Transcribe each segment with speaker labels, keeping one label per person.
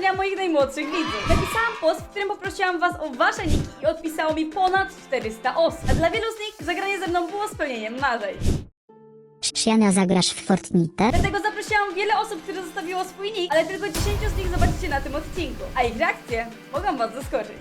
Speaker 1: marzenia moich najmłodszych widzów. Napisałam post, w którym poprosiłam was o wasze niki i odpisało mi ponad 400 osób. A dla wielu z nich zagranie ze mną było spełnieniem marzeń.
Speaker 2: Siana, zagrasz w Fortnite?
Speaker 1: Dlatego zaprosiłam wiele osób, które zostawiło swój nick, ale tylko 10 z nich zobaczycie na tym odcinku. A ich reakcje mogą was zaskoczyć.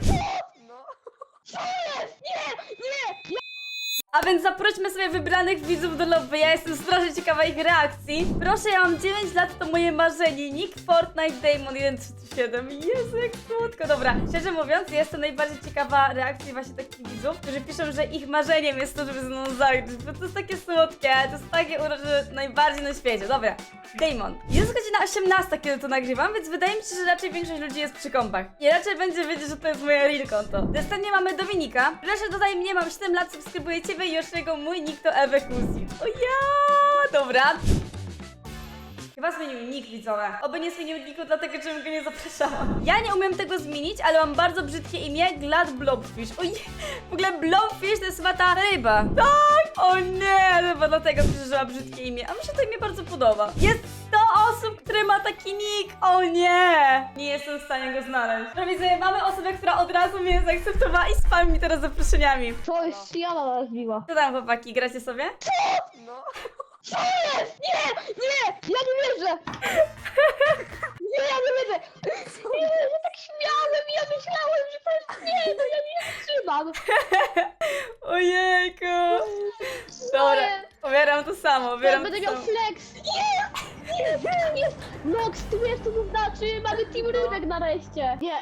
Speaker 1: A więc zaprośmy sobie wybranych widzów do lobby, ja jestem strasznie ciekawa ich reakcji. Proszę, ja mam 9 lat, to moje marzenie. Nick Fortnite Damon 137. Jezu, jak słodko. Dobra, szczerze mówiąc, jestem najbardziej ciekawa reakcji właśnie takich widzów, którzy piszą, że ich marzeniem jest to, żeby ze mną zagrać, bo to jest takie słodkie, to jest takie urocze najbardziej na świecie. Dobra, Damon. Jest godzina 18, kiedy to nagrywam, więc wydaje mi się, że raczej większość ludzi jest przy kąpach. I raczej będzie wiedzieć, że to jest moje real konto. Następnie mamy Dominika. Proszę, dodaj mnie, mam 7 lat, subskrybuję ciebie i Yoshego, mój nick to Ewekusi. O ja! Dobra. Chyba zmienił nick, widzowie. Oby nie zmienił nicku, dlatego że go nie zapraszałam. Ja nie umiem tego zmienić, ale mam bardzo brzydkie imię, Glad Blobfish. Oj, w ogóle Blobfish to jest chyba ta ryba. Tak! O nie, chyba dlatego przeżyła brzydkie imię. A mi się to imię bardzo podoba. Jest 100 osób, które ma taki nick. O nie! Nie jestem w stanie go znaleźć. No widzę, mamy osobę, która od razu mnie zaakceptowała i spami mi teraz zaproszeniami.
Speaker 3: To jest Siana nazwiła.
Speaker 1: Co tam, chłopaki, gracie sobie?
Speaker 3: Co jest? Nie! Nie! Ja nie wierzę! Nie, ja nie wierzę! Nie, ja tak śmiałem i ja myślałem, że to jest... Nie, no ja nie wytrzymam!
Speaker 1: Ojejku!
Speaker 3: Co
Speaker 1: Dobra,
Speaker 3: jest?
Speaker 1: pobieram to samo,
Speaker 3: Ja
Speaker 1: pobieram
Speaker 3: będę
Speaker 1: to
Speaker 3: miał
Speaker 1: samo.
Speaker 3: flex! Nie! Nie! Jest! Nox, ty wiesz co to znaczy? Mamy team rybek nareszcie! Nie,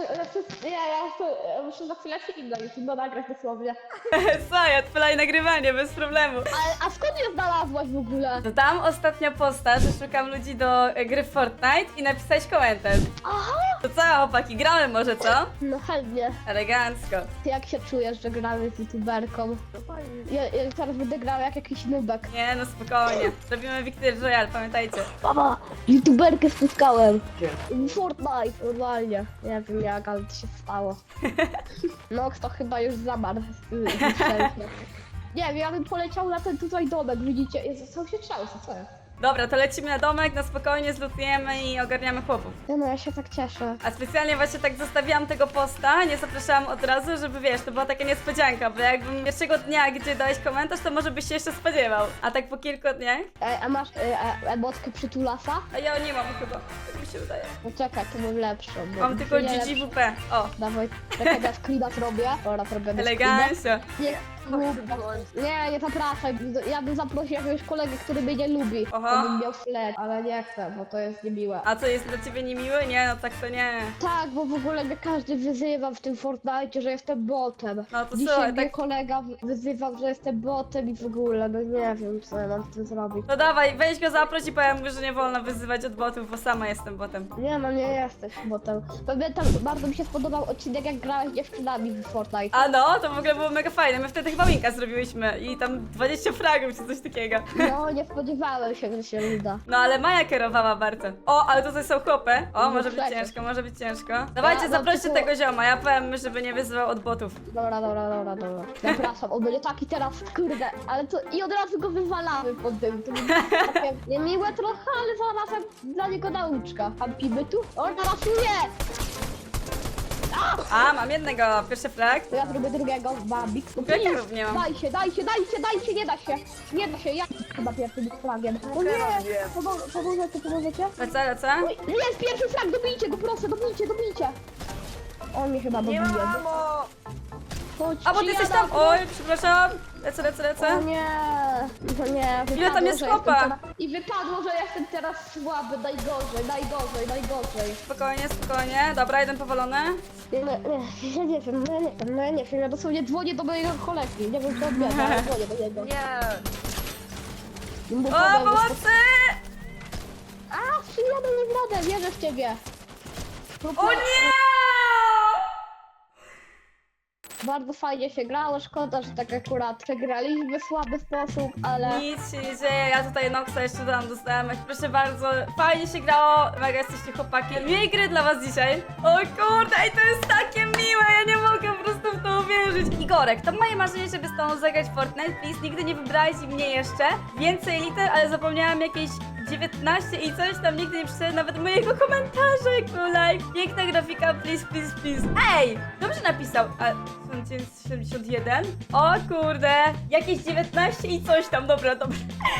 Speaker 3: ja muszę za chwilę film na YouTube nagrać dosłownie.
Speaker 1: Co, ja odpalaj nagrywanie, bez problemu.
Speaker 3: A skąd je znalazłaś w ogóle?
Speaker 1: Dodam ostatnio posta, że szukam ludzi do gry w Fortnite i napisać komentarz.
Speaker 3: Aha!
Speaker 1: To co, chłopaki, gramy może, co?
Speaker 3: No chętnie.
Speaker 1: Elegancko.
Speaker 3: Ty jak się czujesz, że gramy z youtuberką? Ja teraz będę grał jak jakiś nubek.
Speaker 1: Nie, no spokojnie. Robimy Victory Royale, pamiętajcie.
Speaker 3: Mama, youtuberkę spotkałem. Fortnite, normalnie. Nie wiem jak, ale to się stało. Nox to chyba już zamarł. Nie wiem, ja bym poleciał na ten tutaj domek, widzicie? Jezu, co się trzęsą, co jest?
Speaker 1: Dobra, to lecimy na domek, na spokojnie zlutujemy i ogarniamy chłopów.
Speaker 3: Nie no, ja się tak cieszę.
Speaker 1: A specjalnie właśnie tak zostawiłam tego posta, nie zapraszałam od razu, żeby wiesz, to była taka niespodzianka, bo jakbym pierwszego dnia, gdzie dałeś komentarz, to może byś się jeszcze spodziewał. A tak po kilku dniach?
Speaker 3: A masz emotkę przytulasa?
Speaker 1: A ja nie mam chyba, tak mi się wydaje.
Speaker 3: No czekaj, to mam lepszą. bo
Speaker 1: Mam tylko
Speaker 3: nie lepszą.
Speaker 1: GGWP. O,
Speaker 3: Dawaj, czekaj, ja screena zrobię. Dobra, to robię
Speaker 1: elegancja.
Speaker 3: Nie zapraszaj. Ja bym zaprosił jakiegoś kolegę, który mnie nie lubi.
Speaker 1: Aha.
Speaker 3: To bym miał flet, ale nie chcę, bo to jest niemiłe.
Speaker 1: A co, jest dla ciebie niemiły? Nie, no tak to nie.
Speaker 3: Tak, bo w ogóle mnie każdy wyzywa w tym Fortnite, że jestem botem.
Speaker 1: No to
Speaker 3: Dzisiaj
Speaker 1: słuchaj,
Speaker 3: mnie
Speaker 1: tak...
Speaker 3: kolega wyzywał, że jestem botem i w ogóle, no nie wiem, co ja mam z tym zrobić.
Speaker 1: No dawaj, weź go zaproś i powiem mu, że nie wolno wyzywać od botów, bo sama jestem botem.
Speaker 3: Nie no, nie jesteś botem. Pamiętam, bardzo mi się spodobał odcinek, jak grałeś z dziewczynami w Fortnite.
Speaker 1: A no, to w ogóle było mega fajne. My wtedy chyba winka zrobiłyśmy i tam 20 fragów czy coś takiego.
Speaker 3: No, nie spodziewałem się, że się uda.
Speaker 1: No ale Maja kierowała bardzo. O, ale tutaj są chłopy. O,
Speaker 3: No
Speaker 1: może być
Speaker 3: przecież.
Speaker 1: ciężko, może być ciężko. Dawajcie,
Speaker 3: Ja, no
Speaker 1: zaproście
Speaker 3: tylko-
Speaker 1: tego zioma, ja powiem mu, żeby nie wyzywał od botów.
Speaker 3: Dobra. Zapraszam, on będzie taki teraz, kurde, ale to i od razu go wywalamy pod tym. To będzie takie niemiłe trochę, ale zarazem dla niego nauczka. Kampimy tu? O, teraz nie!
Speaker 1: A, mam jednego, pierwszy flag.
Speaker 3: To ja zrobię drugiego, Bambik. No
Speaker 1: Ja
Speaker 3: please,
Speaker 1: również nie mam.
Speaker 3: daj się, nie da się. Nie da się, ja chyba pierwszym flagiem. O nie, pomożecie?
Speaker 1: Lecę.
Speaker 3: Oj, jest pierwszy flag, dobijcie go, proszę, dobijcie. On mnie chyba dobije. Chodź,
Speaker 1: A, bo ty jesteś tam. Oj, przepraszam. Lecę.
Speaker 3: O nie, no nie,
Speaker 1: Ile tam
Speaker 3: wypadło,
Speaker 1: jest
Speaker 3: że
Speaker 1: chłopa?
Speaker 3: jestem teraz- I wypadło, że jestem teraz słaby, najgorzej.
Speaker 1: Spokojnie. Dobra, jeden powalony.
Speaker 3: Ja nie wiem, ja dosłownie dzwonię do mojego kolegi, nie wiem co odbiera, ale dzwonię do niego.
Speaker 1: Nie.
Speaker 3: Mu
Speaker 1: O,
Speaker 3: powiem,
Speaker 1: pomocy!
Speaker 3: A, przyjadę nie w radę, wierzę w ciebie.
Speaker 1: O nie!
Speaker 3: Bardzo fajnie się grało, szkoda, że tak akurat przegraliśmy w słaby sposób, ale...
Speaker 1: Nic się nie dzieje, ja tutaj Noxa jeszcze tam dostałem. Proszę bardzo, fajnie się grało, mega jesteście chłopaki. Miłej gry dla was dzisiaj. O kurde, ej, to jest takie miłe, ja nie mogę po prostu w to uwierzyć. Igorek, to moje marzenie, żeby z tobą zagrać w Fortnite, please. Nigdy nie wybrałeś i mnie jeszcze. Więcej liter, ale zapomniałam jakiejś 19 i coś tam nigdy nie przeczytałem nawet mojego komentarza, jak był live. Piękna grafika, please, please, please. Ej, dobrze napisał. A, 1971? O kurde, jakieś 19 i coś tam, dobra. O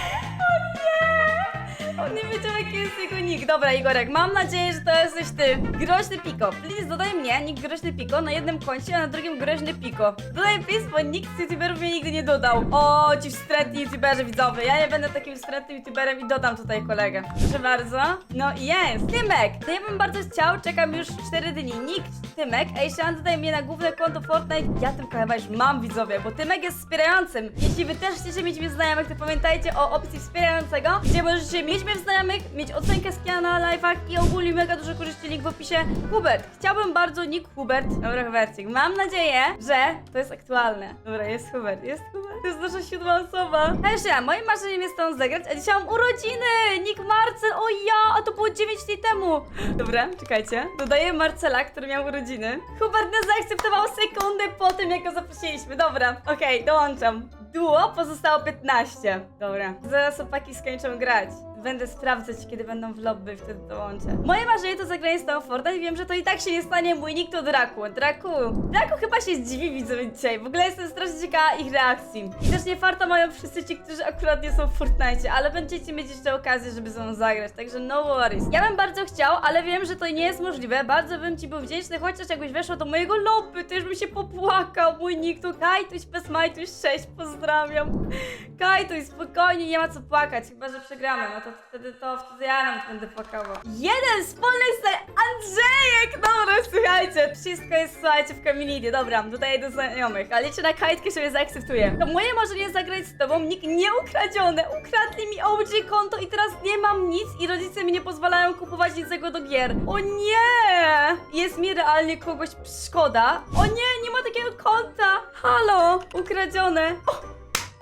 Speaker 1: nie! On nie wiedział, jaki jest jego nick. Dobra, Igorek, mam nadzieję, że to jesteś ty. Groźny Piko. Please, dodaj mnie, nick Groźny Piko, na jednym koncie, a na drugim Groźny Piko. Dodaj please, bo nikt z youtuberów mnie nigdy nie dodał. O, ci wstrętni youtuberzy widzowie. Ja nie będę takim wstrętnym youtuberem i dodam tutaj kolegę. Proszę bardzo. No i jest. Tymek, to ja bym bardzo chciał, czekam już 4 dni. Nick Tymek, ej, Sean, dodaj mnie na główne konto Fortnite. Ja Tymka chyba już mam, widzowie, bo Tymek jest wspierającym. Jeśli wy też chcecie mieć mnie w znajomych, to pamiętajcie o opcji wspierającego, gdzie możecie mieć mnie w znajomych, mieć ocenkę z Kiana na live'ach i ogólnie mega dużo korzyści, link w opisie. Hubert, chciałbym bardzo nick Hubert. Dobra, Hubercik, mam nadzieję, że to jest aktualne. Dobra, jest Hubert, jest Hubert. To jest nasza 7. osoba. Hej, Sean, moim marzeniem jest tą zagrać, a dzisiaj mam urodziny! Nick Marcel, o ja, a to było 9 dni temu. Dobra, czekajcie. Dodaję Marcela, który miał urodziny. Hubert nie zaakceptował sekundę po tym, jak go zaprosiliśmy. Dobra, okej, dołączam. Duo pozostało 15. Dobra, zaraz chłopaki skończą grać. Będę sprawdzać, kiedy będą w lobby, wtedy dołączę. Moje marzenie to zagranie z tą Fortnite i wiem, że to i tak się nie stanie. Mój nick to Draku. Draku chyba się zdziwi, widzowie, dzisiaj. W ogóle jestem strasznie ciekawa ich reakcji. I też nie farta mają wszyscy ci, którzy akurat nie są w Fortnite, ale będziecie mieć jeszcze okazję, żeby ze mną zagrać, także no worries. Ja bym bardzo chciał, ale wiem, że to nie jest możliwe. Bardzo bym ci był wdzięczny, chociaż jakbyś weszło do mojego lobby, to już bym się popłakał. Mój nick to Kajtuś bez Majtuś 6, pozdrawiam. Kajtuś, spokojnie, nie ma co płakać, chyba że przegramy, no to wtedy ja nawet będę płakała. Jeden wspólny ser Andrzejek! Dobra, słuchajcie, wszystko jest, słuchajcie, w community, dobra, dodaję do znajomych, ale liczę na Kajtkę, że mnie zaakceptuje. To moje marzenie zagrać z tobą, nick nieukradziony, ukradli mi OG konto i teraz nie mam nic i rodzice mi nie pozwalają kupować niczego do gier. O nie! Jest mi realnie kogoś szkoda. O nie, nie ma takiego konta! Halo! Ukradzione! O!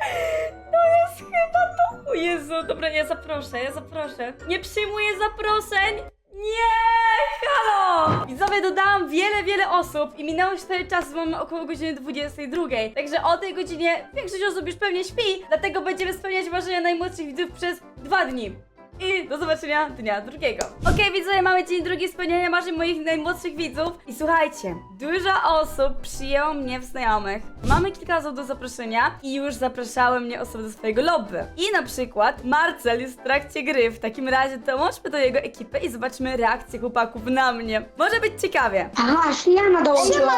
Speaker 1: To jest chyba to! O Jezu, dobra, ja zaproszę. Nie przyjmuję zaproszeń! Nie! Halo! Widzowie, dodałam wiele osób i minęło 4 czasy, mamy około godziny 22. Także o tej godzinie większość osób już pewnie śpi, dlatego będziemy spełniać marzenia najmłodszych widzów przez 2 dni. I do zobaczenia dnia drugiego. Okej, widzowie, mamy dzień drugi spełniania marzeń moich najmłodszych widzów. I słuchajcie, dużo osób przyjęło mnie w znajomych. Mamy kilka osób do zaproszenia i już zapraszały mnie osoby do swojego lobby. I na przykład Marcel jest w trakcie gry. W takim razie dołączmy do jego ekipy i zobaczmy reakcję chłopaków na mnie. Może być ciekawie.
Speaker 3: Aha, Siana dołączyła.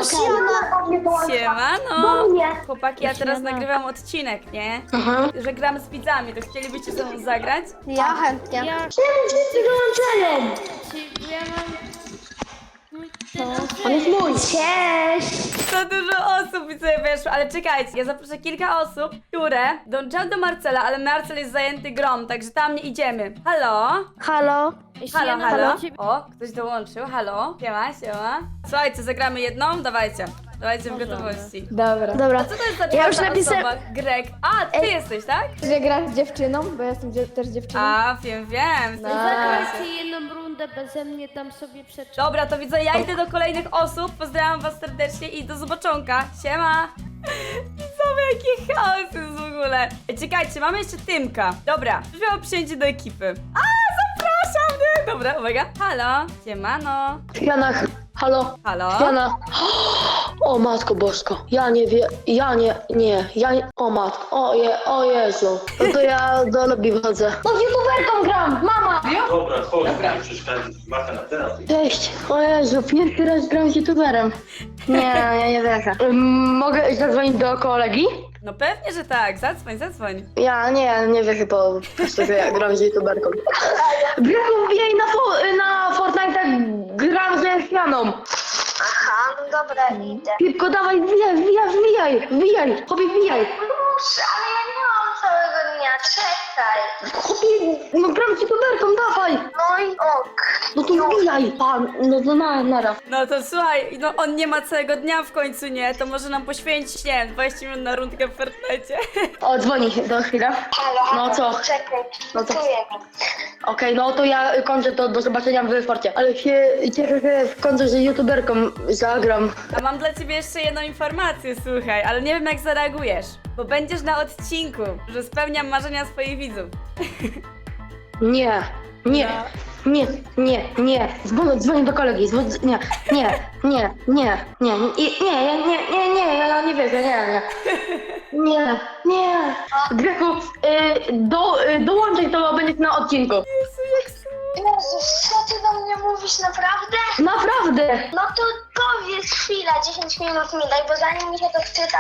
Speaker 1: Siemano.
Speaker 3: Do mnie.
Speaker 1: Chłopaki, ja teraz nagrywam odcinek, nie?
Speaker 3: Aha.
Speaker 1: Że gramy z widzami, to chcielibyście ze mną zagrać?
Speaker 3: Ja chętnie.
Speaker 4: Ja,
Speaker 3: Czemu wszyscy dołączają?
Speaker 4: ja mam...
Speaker 3: On jest mój. Cześć.
Speaker 1: To dużo osób mi sobie weszło, ale czekajcie, ja zaproszę kilka osób, które dołączają do Marcela, ale Marcel jest zajęty grą, także tam nie idziemy. Halo?
Speaker 3: Halo.
Speaker 1: Halo? O, ktoś dołączył, halo? Siema. Słuchajcie, zagramy jedną? Dawajcie w gotowości.
Speaker 3: Dobra.
Speaker 1: A co to jest za
Speaker 3: Ja już
Speaker 1: czwarta
Speaker 3: napisałem-
Speaker 1: osoba? Greg. A, ty jesteś, tak?
Speaker 5: Że grasz z dziewczyną, bo ja jestem też dziewczyną.
Speaker 1: A, wiem.
Speaker 4: Zagrajcie jedną rundę beze mnie, tam sobie przeczytam.
Speaker 1: Dobra, to widzę, ja idę do kolejnych osób, pozdrawiam was serdecznie i do zobaczonka. Siema! Widzowie, jaki chaos jest w ogóle. Ej, czekajcie, mamy jeszcze Tymka. Dobra, już miało przyjęcie do ekipy. A, zapraszam mnie! Dobra, uwaga. Halo, siemano.
Speaker 6: Jana, halo?
Speaker 1: Halo?
Speaker 6: Jana. O matko bosko, ja nie wiem, o matko, o Jezu. No to ja do lobby wchodzę.
Speaker 3: No z youtuberką gram, mama.
Speaker 7: Dobra, chodź, nie przeszkadzaj, machę na teraz.
Speaker 6: Cześć, o Jezu, pierwszy raz gram z youtuberem. Nie, ja nie wierzę. Mogę zadzwonić do kolegi?
Speaker 1: No pewnie, że tak, zadzwoń.
Speaker 6: Ja nie wierzę po prostu, że ja gram z youtuberką. Braku, wbijaj na Fortnite, gram z Janą.
Speaker 3: Aha, no dobra, idę.
Speaker 6: Szybko, dawaj, wbijaj, chłopie, wbijaj.
Speaker 3: Muszę, ale ja nie mam całego dnia, czekaj.
Speaker 6: Chłopie, no gram z youtuberką, dawaj.
Speaker 3: No i ok.
Speaker 6: No to wbijaj, no to nara.
Speaker 1: No to słuchaj, no on nie ma całego dnia w końcu, nie? To może nam poświęcić, nie wiem, 20 minut na rundkę w Fortnite.
Speaker 6: O, dzwoni do chwilę.
Speaker 3: Halo,
Speaker 6: No co?
Speaker 3: Czekaj,
Speaker 6: No to-
Speaker 3: czuję mi.
Speaker 6: Okej, no to ja kończę to, do zobaczenia w Forcie. Ale się cieszę, że w końcu z youtuberką zagram.
Speaker 1: A mam dla ciebie jeszcze jedną informację, słuchaj, ale nie wiem jak zareagujesz, bo będziesz na odcinku, że spełniam marzenia swoich widzów.
Speaker 6: Nie, nie, nie, nie, nie. Dzwonię do kolegi. Nie, ja nie wierzę, nie. Greku, dołączaj to, bo będziesz na odcinku.
Speaker 8: Jezus, co ty do mnie mówisz, naprawdę?
Speaker 6: Naprawdę.
Speaker 8: No to powiedz chwila, 10 minut mi daj, bo zanim mi się to wczyta,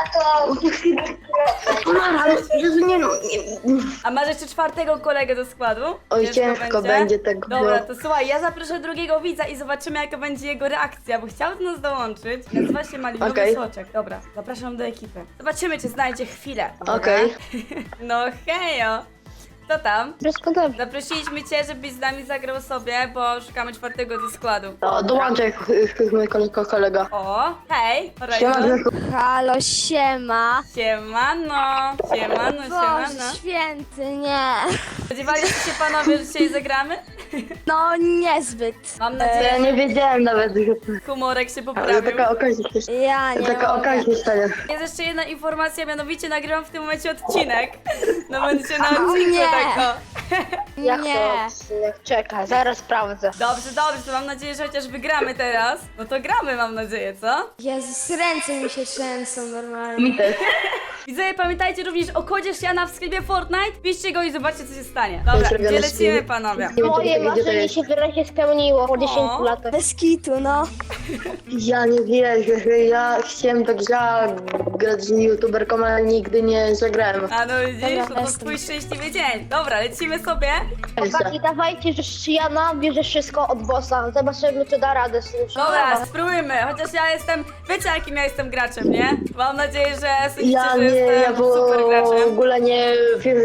Speaker 8: to...
Speaker 6: Mara, ale Jezu, nie.
Speaker 1: A masz jeszcze czwartego kolegę do składu?
Speaker 6: Oj,
Speaker 1: Wiesz,
Speaker 6: ciężko
Speaker 1: kto
Speaker 6: będzie tego.
Speaker 1: Dobra, to słuchaj, ja zaproszę drugiego widza i zobaczymy, jaka będzie jego reakcja, bo chciał do nas dołączyć. Nazywa się Malinowy
Speaker 6: Okej.
Speaker 1: Soczek. Dobra, zapraszam do ekipy. Zobaczymy, czy znajdzie chwilę. Dobra?
Speaker 6: Okej.
Speaker 1: No hejo! Co tam?
Speaker 3: Wszystko dobrze.
Speaker 1: Zaprosiliśmy cię, żebyś z nami zagrał sobie, bo szukamy czwartego do składu.
Speaker 6: To dołączaj, mój kolega.
Speaker 1: O, hej!
Speaker 6: Siema,
Speaker 1: Horizon.
Speaker 6: Greku.
Speaker 4: Halo, siema.
Speaker 1: Siemano!
Speaker 4: Boże święty, nie.
Speaker 1: Spodziewaliście się panowie, że dzisiaj zagramy?
Speaker 4: No niezbyt.
Speaker 1: Mam nadzieję,
Speaker 6: Ja nie wiedziałem nawet, że
Speaker 1: że humorek się
Speaker 6: ale
Speaker 1: poprawił.
Speaker 6: taka okazja się
Speaker 4: Ja nie
Speaker 6: Taka
Speaker 4: mogę.
Speaker 6: okazja stanie.
Speaker 1: Jest jeszcze jedna informacja, mianowicie nagrywam w tym momencie odcinek. No będziecie na odcinku
Speaker 4: nie.
Speaker 1: tak o.
Speaker 3: Jak
Speaker 4: Nie.
Speaker 3: to odcinek? Czekaj, zaraz sprawdzę.
Speaker 1: Dobrze, to mam nadzieję, że chociaż wygramy teraz. No to gramy, mam nadzieję, co?
Speaker 4: Jezus, ręce mi się trzęsą normalnie.
Speaker 6: Mi też.
Speaker 1: Widzowie, pamiętajcie również o kodzie Siana w sklepie Fortnite. Piszcie go i zobaczcie, co się stanie. Dobra,
Speaker 6: Zrobione
Speaker 1: gdzie lecimy,
Speaker 6: screeny.
Speaker 1: panowie?
Speaker 6: Nie wiem,
Speaker 3: Moje
Speaker 6: gdzie to
Speaker 3: marzenie
Speaker 6: jest.
Speaker 3: się wyraźnie spełniło po 10 latach.
Speaker 4: Bez kitu, no.
Speaker 6: Ja nie wierzę, że ja chciałem tak grać z youtuberką, ale nigdy nie zagrałem.
Speaker 1: A no widzisz,
Speaker 4: Dobra,
Speaker 1: to
Speaker 4: jestem.
Speaker 1: twój szczęśliwy dzień. Dobra, lecimy sobie.
Speaker 3: Chłopaki, dawajcie, że Shiana bierze wszystko od bossa. Zobaczymy, czy da radę z tym.
Speaker 1: Dobra, spróbujmy. Chociaż ja jestem, wiecie jakim ja jestem graczem, nie? Mam nadzieję, że sądzicie,
Speaker 6: Ja
Speaker 1: że
Speaker 6: nie,
Speaker 1: jestem
Speaker 6: ja
Speaker 1: super
Speaker 6: w
Speaker 1: graczem.
Speaker 6: ogóle nie wierzę,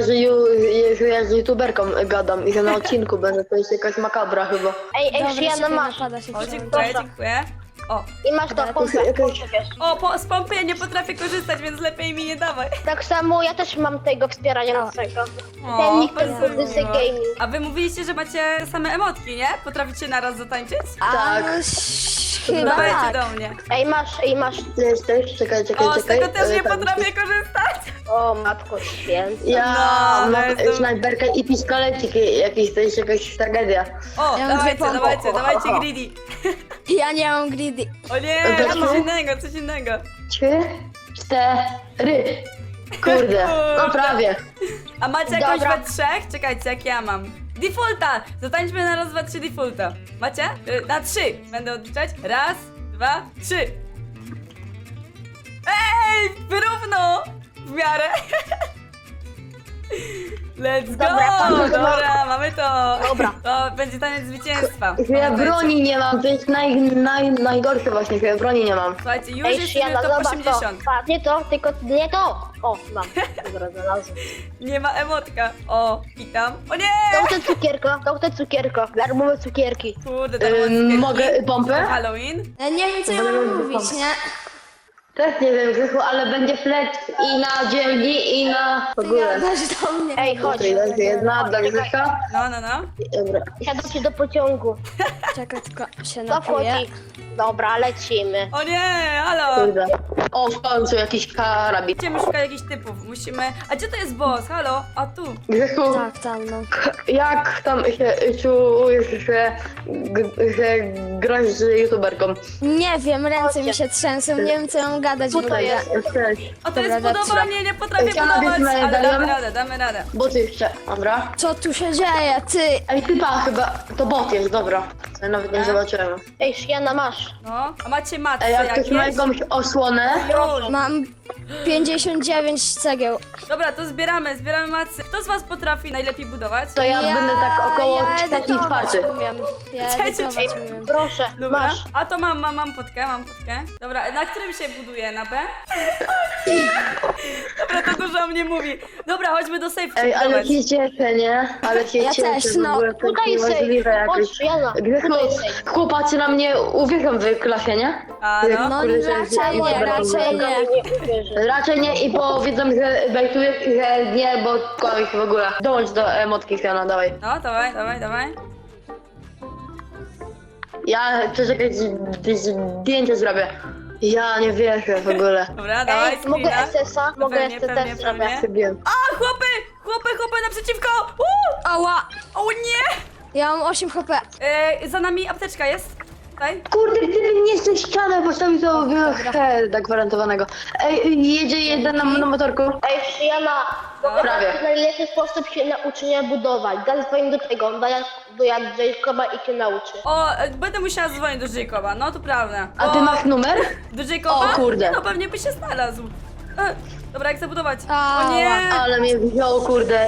Speaker 6: że ja z youtuberką gadam i że na odcinku będę, to jest jakaś makabra chyba.
Speaker 3: Ej, Shiana masz.
Speaker 4: napada się
Speaker 1: O,
Speaker 4: wziąć.
Speaker 1: dziękuję, dziękuję. O,
Speaker 3: I masz to, pompę, wiesz.
Speaker 1: z pompy ja nie potrafię korzystać, więc lepiej mi nie dawaj.
Speaker 3: Tak samo ja też mam tego wspierania naszego.
Speaker 1: O,
Speaker 3: Ten nick ten
Speaker 1: bardzo
Speaker 3: kurde
Speaker 1: miło.
Speaker 3: gaming.
Speaker 1: A wy mówiliście, że macie same emotki, nie? Potraficie naraz zatańczyć?
Speaker 6: Tak.
Speaker 4: Chyba
Speaker 1: Dawajcie
Speaker 4: tak.
Speaker 1: do mnie.
Speaker 3: Ej, masz.
Speaker 6: Jesteś? Czekaj.
Speaker 1: O, z tego też nie
Speaker 6: tak.
Speaker 1: potrafię korzystać.
Speaker 3: O, matko święta.
Speaker 6: Ja
Speaker 1: No,
Speaker 6: mam
Speaker 1: jestem-
Speaker 6: snajperkę i pistolecik jakiś, to jest jakaś tragedia.
Speaker 1: O,
Speaker 4: Ja mam dwie
Speaker 1: dawajcie,
Speaker 4: pompy.
Speaker 1: dawajcie greedy.
Speaker 4: Ja nie mam greedy.
Speaker 1: O nie,
Speaker 6: Dobra.
Speaker 1: coś innego.
Speaker 6: 3, 4. Kurde, no prawie.
Speaker 1: A macie jakąś
Speaker 3: Dobra.
Speaker 1: we trzech? Czekajcie, jak ja mam. Defaulta! Zatańczmy na raz, dwa, trzy defaulta. Macie? Na 3. Będę odliczać. Raz, 2, 3. Ej, wyrówno! W miarę. Let's go! Dobra, mamy to.
Speaker 3: Dobra.
Speaker 1: To będzie taniec zwycięstwa.
Speaker 6: Ja
Speaker 1: Pamiętajcie.
Speaker 6: broni nie mam, to jest najgorsze właśnie, że ja broni nie mam.
Speaker 1: Słuchajcie, już
Speaker 3: Ej,
Speaker 1: jesteśmy
Speaker 3: Shiana,
Speaker 1: w top
Speaker 3: zobacz
Speaker 1: 80.
Speaker 3: to. Pa, nie to, tylko nie to. O, mam. Dobra, znalazłem.
Speaker 1: Nie ma emotka. O, witam. O nie!
Speaker 3: To te cukierko. Darmowe cukierki.
Speaker 1: Kurde, to
Speaker 6: Mogę pompę?
Speaker 1: Halloween?
Speaker 4: Ja nie wiem, co ja mam mówić, nie?
Speaker 6: Też nie wiem, Grzechu, ale będzie flex i na dzielni i na w
Speaker 4: Ty
Speaker 6: ogóle.
Speaker 4: gadasz do mnie.
Speaker 3: Ej, chodź.
Speaker 6: Tutaj leży jedna dla Grzecha.
Speaker 1: No.
Speaker 6: Dobra.
Speaker 3: Siadam się do pociągu.
Speaker 4: Czekaj, tylko się
Speaker 3: To
Speaker 4: napiję.
Speaker 3: wchodzi. Dobra, lecimy.
Speaker 1: O nie, halo!
Speaker 6: Kurde. O, w końcu jakiś karabin.
Speaker 1: Musimy szukać jakichś typów, musimy... A gdzie to jest boss? Halo? A tu.
Speaker 6: Grzechu,
Speaker 4: Tak, tam, no.
Speaker 6: jak tam się czujesz, że grasz z youtuberką?
Speaker 4: Nie wiem, ręce mi się trzęsą, nie wiem, co ja mam gadać w
Speaker 3: Co to
Speaker 4: ogóle.
Speaker 3: jest?
Speaker 6: Cześć.
Speaker 1: A to
Speaker 4: Dobra,
Speaker 1: jest
Speaker 4: dobra.
Speaker 1: budowanie, nie potrafię
Speaker 6: Chciałam
Speaker 1: budować,
Speaker 6: być
Speaker 1: ale
Speaker 6: medalion.
Speaker 1: damy radę.
Speaker 6: Boty jeszcze, dobra.
Speaker 4: Co tu się dzieje, ty?
Speaker 6: Ej, typa chyba, to bot jest, dobra. Ja nawet nie zobaczyłem.
Speaker 3: Ej, Shiana, masz.
Speaker 1: No, a macie matce
Speaker 6: Ej, jak ktoś ma
Speaker 1: jakieś?
Speaker 6: jakąś osłonę,
Speaker 1: Już.
Speaker 4: Mam 59 cegieł.
Speaker 1: Dobra, to zbieramy matce. Kto z was potrafi najlepiej budować?
Speaker 6: to ja będę tak około
Speaker 4: ja
Speaker 6: trzeci,
Speaker 4: edytować
Speaker 6: czwarty.
Speaker 4: umiem. Ja
Speaker 1: Trzeci,
Speaker 4: edytować umiem.
Speaker 3: Proszę,
Speaker 1: Dobra.
Speaker 3: masz.
Speaker 1: A to mam potkę. Dobra, na którym się buduje? Na B? Dobra, to dużo o mnie mówi. Dobra, chodźmy do safe
Speaker 6: Ej, ale
Speaker 1: budować.
Speaker 6: się cieszę, nie? Ale się
Speaker 4: Ja
Speaker 6: cieszę,
Speaker 4: też,
Speaker 6: w
Speaker 4: no.
Speaker 6: ogóle to
Speaker 3: Tutaj
Speaker 6: jest
Speaker 3: safe.
Speaker 6: niemożliwe jakoś.
Speaker 3: Chodź, Shiana.
Speaker 6: Grzechu,
Speaker 3: Tutaj safe.
Speaker 6: chłopacy na mnie uwierzą w klasie, nie?
Speaker 1: A no.
Speaker 4: No
Speaker 6: Kurde, że-
Speaker 4: raczej nie, raczej nie.
Speaker 3: Nie uwierzę.
Speaker 6: Raczej nie i powiedzą, że bejtujesz, że nie, bo kłamiesz w ogóle. Dołącz do emotki, Fiona, dawaj.
Speaker 1: No, dawaj.
Speaker 6: Ja chcę jakieś zdjęcie zrobię. Ja nie wierzę w ogóle.
Speaker 1: Dobra, dawaj,
Speaker 3: Ej, mogę
Speaker 1: screena.
Speaker 3: SS-a? Mogę
Speaker 1: Pewnie,
Speaker 3: SS zrobić.
Speaker 1: pewnie.
Speaker 6: Zrobiłem.
Speaker 1: A, chłopy! chłopy naprzeciwko!
Speaker 5: Ała!
Speaker 1: O nie!
Speaker 5: Ja mam 8 HP.
Speaker 1: Za nami apteczka jest. Tutaj.
Speaker 6: Kurde, gdyby nie z tej ściany postawił to heada gwarantowanego. Ej, jedzie jeden na motorku.
Speaker 8: Ej, Przyjana,
Speaker 6: Prawie.
Speaker 8: najlepszy sposób się nauczenia budować. Zadzwoń do tego, do Jacoba i cię nauczy.
Speaker 1: O, będę musiała dzwonić do Jacoba, no to prawda.
Speaker 6: A ty
Speaker 1: O,
Speaker 6: masz numer?
Speaker 1: Do Jacoba?
Speaker 6: O kurde.
Speaker 1: No pewnie by się znalazł. Dobra, jak zabudować?
Speaker 5: Ała.
Speaker 1: O nie!
Speaker 6: Ale mnie wziął, kurde.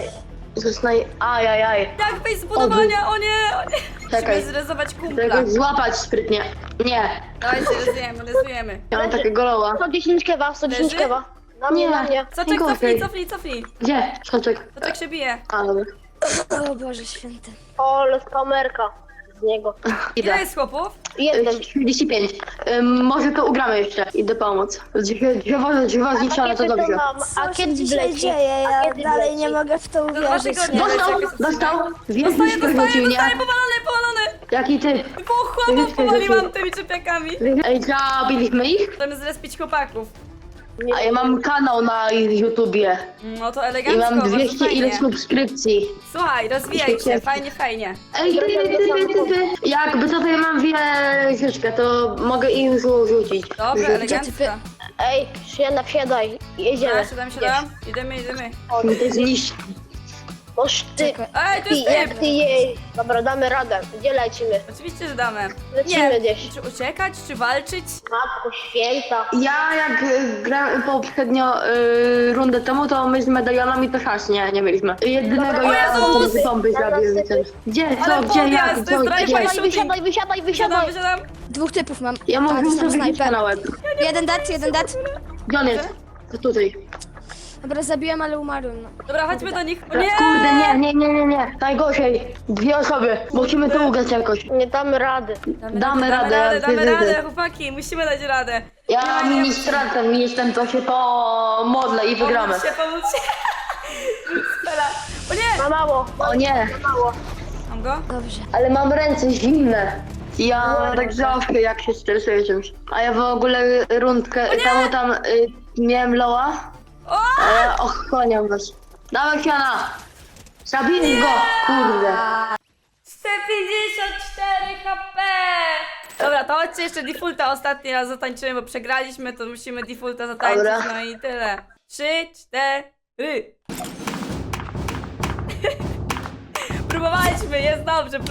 Speaker 6: Ajajaj.
Speaker 1: Jak wyjść z budowania? O nie! O nie!
Speaker 6: Czekaj.
Speaker 1: Musimy zrezować kumpla.
Speaker 6: Tego złapać sprytnie. Nie.
Speaker 1: Dajcie, rezujemy.
Speaker 6: Ja mam takiego loła.
Speaker 8: 110 kewa, 110
Speaker 1: Leży?
Speaker 8: kewa. Na mnie, na mnie.
Speaker 1: Soczek, cofnij.
Speaker 6: Gdzie? Skoczek.
Speaker 1: Soczek się bije.
Speaker 6: A, dobra.
Speaker 5: O Boże święty.
Speaker 8: O, kamerka z niego.
Speaker 1: Ile
Speaker 6: Idę.
Speaker 1: jest chłopów?
Speaker 8: Jeden.
Speaker 6: 35. Może to ugramy jeszcze. Idę pomóc. Drzewo zniszczone, to dobrze.
Speaker 8: A kiedy
Speaker 5: się
Speaker 8: wleci?
Speaker 5: dzieje?
Speaker 8: A
Speaker 5: Ja
Speaker 8: kiedy
Speaker 5: dalej
Speaker 8: wleci?
Speaker 5: nie mogę w to
Speaker 1: Dwa
Speaker 5: uwierzyć.
Speaker 1: tygodnie.
Speaker 6: Dostał. Wiesz,
Speaker 1: Dostaję, powalony!
Speaker 6: Jaki ty?
Speaker 1: Po chłopów powaliłam tymi czepiakami.
Speaker 6: Ej, zabiliśmy ich?
Speaker 1: Chcemy zrespić chłopaków.
Speaker 6: A ja mam kanał na YouTubie.
Speaker 1: No to
Speaker 6: I
Speaker 1: elegancko,
Speaker 6: mam
Speaker 1: bardzo
Speaker 6: 200
Speaker 1: fajnie.
Speaker 6: ile subskrypcji.
Speaker 1: Słuchaj, rozwijaj się, fajnie.
Speaker 6: Ej, ty. Jakby to ja mam wieżyczkę, to mogę ich rzucić.
Speaker 1: Dobra, elegancko.
Speaker 8: Ej, Przyjana, wsiadaj. Jedziemy.
Speaker 1: Siadam. Idziemy.
Speaker 6: To jest niż.
Speaker 8: Boż ty.
Speaker 1: Ej, tu jest
Speaker 8: Jak
Speaker 1: typ!
Speaker 8: ty jej. Dobra, damy radę. Gdzie lecimy?
Speaker 1: Oczywiście, że damy.
Speaker 8: Lecimy gdzieś.
Speaker 1: Czy uciekać, czy walczyć?
Speaker 8: Matko święta.
Speaker 6: Ja jak grałem poprzednio rundę temu, to my z medalionami to szans nie mieliśmy. Jedynego
Speaker 8: Dobra,
Speaker 6: ja
Speaker 1: o Jezus!
Speaker 6: z bomby zabiłem. Gdzie?
Speaker 1: Ale
Speaker 6: Co? Gdzie? Jak?
Speaker 1: podjazd, to jest drive-by
Speaker 6: Gdzie?
Speaker 1: shooting.
Speaker 8: Wysiadaj.
Speaker 1: Wysiadam.
Speaker 5: Dwóch typów mam.
Speaker 6: Ja
Speaker 5: A,
Speaker 6: mogę
Speaker 5: to są
Speaker 6: sobie rzucić
Speaker 5: snajper.
Speaker 6: na łeb.
Speaker 5: Jeden dead.
Speaker 6: Gdzie on jest? To tutaj.
Speaker 5: Dobra, zabiłem, ale umarłem. No.
Speaker 1: Dobra, chodźmy do nich. O nie!
Speaker 6: Kurde, nie. Najgorzej. 2 osoby. Musimy to ugrać jakoś.
Speaker 8: Nie damy rady.
Speaker 6: Damy radę.
Speaker 1: Damy radę, chłopaki, musimy dać radę.
Speaker 6: Ja ministrantem jestem, to się pomodlę i wygramy.
Speaker 1: Pomóc się. Spela. O nie!
Speaker 8: Ma mało.
Speaker 6: O nie,
Speaker 1: Mam go?
Speaker 5: Dobrze.
Speaker 6: ale mam ręce zimne. Ja tak zawsze jak się stresuję czymś. A ja w ogóle rundkę tam miałem loła,
Speaker 1: O!
Speaker 6: a ja ochłaniam was. Dawaj Fiana! Zabiję go! Kurde.
Speaker 1: 154 HP! Dobra, to chodźcie jeszcze defaulta ostatni raz zatańczymy, bo przegraliśmy, to musimy defaulta zatańczyć,
Speaker 6: Dobra.
Speaker 1: no i tyle. 3, 4. Próbowaliśmy, jest dobrze,